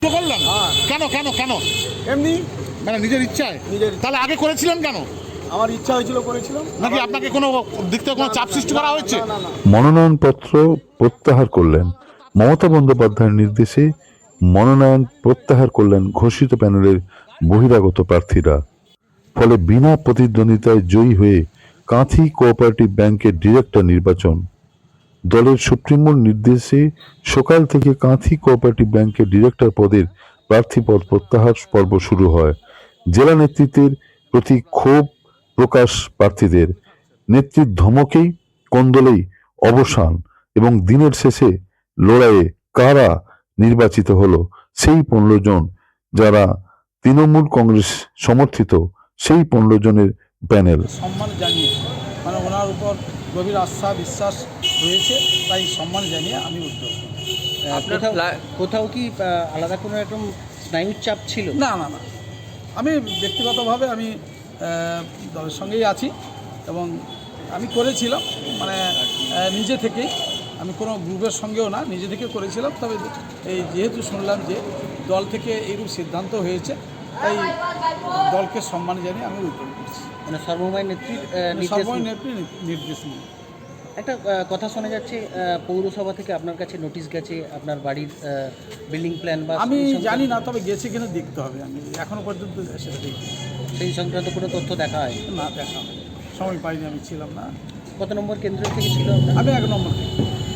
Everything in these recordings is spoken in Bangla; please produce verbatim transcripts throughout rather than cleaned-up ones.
করলেন কেন কেন কেন এমনি মানে নিজের ইচ্ছায়? নিজের তাহলে আগে করেছিলেন কেন? আমার ইচ্ছা হয়েছিল করেছিলাম। নাকি আপনাকে কোনো দিক থেকে কোনো চাপ সৃষ্টি করা হয়েছে? না না না মনোনয়নপত্র প্রত্যাহার করলেন মমতা বন্দ্যোপাধ্যায়ের নির্দেশে। মনোনয়ন প্রত্যাহার করলেন ঘোষিত প্যানেলের বহিরাগত প্রার্থীরা। ফলে বিনা প্রতিদ্বন্দ্বিতায় জয়ী হয়ে কাঁথি কোঅপারেটিভ ব্যাংকের ডিরেক্টর নির্বাচন। দলের সুপ্রিমোর নির্দেশে সকাল থেকে কাঁথি কোঅপারেটিভ ব্যাংকের ডিরেক্টর পদের প্রার্থীপদ প্রত্যাহার পর্ব শুরু হয়। জেলা নেতৃত্বের প্রতি ক্ষোভ প্রকাশ প্রার্থীদের। নেত্রীর ধমকেই কোন্দলেই অবসান এবং দিনের শেষে লড়াইয়ে কারা নির্বাচিত হলো সেই পনেরো জন যারা তৃণমূল কংগ্রেস সমর্থিত, সেই পনেরো জনের প্যানেল। সম্মান জানিয়ে মানে ওনার উপর গভীর আস্থা বিশ্বাস রয়েছে, তাই সম্মান জানিয়ে আমি উদ্যোগ করি। আপনার কোথাও কি আহ, আলাদা কোনো রকম স্নায়ুর চাপ ছিল? না না না আমি ব্যক্তিগতভাবে আমি আহ, দলের সঙ্গেই আছি এবং আমি করেছিলাম মানে আহ, নিজে থেকেই, আমি কোনো গ্রুপের সঙ্গেও না, নিজে থেকে করেছিলাম। তবে এই যেহেতু শুনলাম যে দল থেকে এইরূপ সিদ্ধান্ত হয়েছে, তাই দলকে সম্মান জানিয়ে আমি উদ্যোগ করছি। মানে সর্বময় নেত্রীর আহ, নির্দেশ সর্বই নিয়ে। নেত্রী নির্দেশ নিয়ে। একটা আহ, কথা শোনা যাচ্ছে আহ, পৌরসভা থেকে আপনার কাছে নোটিশ গেছে আপনার বাড়ির বিল্ডিং প্ল্যান বা আমি সেই সংক্রান্ত- জানি না, তবে গেছে কিনা দেখতে হবে। আমি এখনো পর্যন্ত সেটা দেখি সেই সংক্রান্ত কোনো তথ্য দেখা হয়? না, দেখা হয়নি। সময় পাইনি, আমি ছিলাম না। কত নম্বর কেন্দ্র থেকে ছিল আপনার? আমি এক নম্বর থেকে।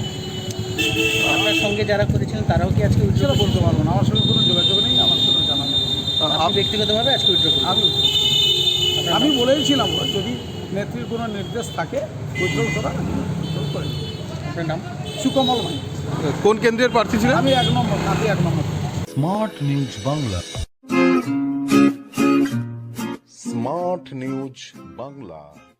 আপনার সঙ্গে যারা করেছিলেন তারাও কি আজকে উইথড্র সেটা বলতে পারবো না, আমার সঙ্গে কোনো যোগাযোগ নেই, আমার কোনো জানা নেই। আপনি ব্যক্তিগতভাবে আজকে উইথড্র করবেন? আমি আমি বলেইছিলাম যদি নেত্রীর কোনো নির্দেশ থাকে উজ্জ্বল করা, আমি উজ্জ্বল করে দেব। আপনার নাম? সুকমল ভাই। কোন কেন্দ্রের প্রার্থী ছিলেন? আমি এক নম্বর, কাঁথি এক নম্বর। Smart news Bangla smart news Bangla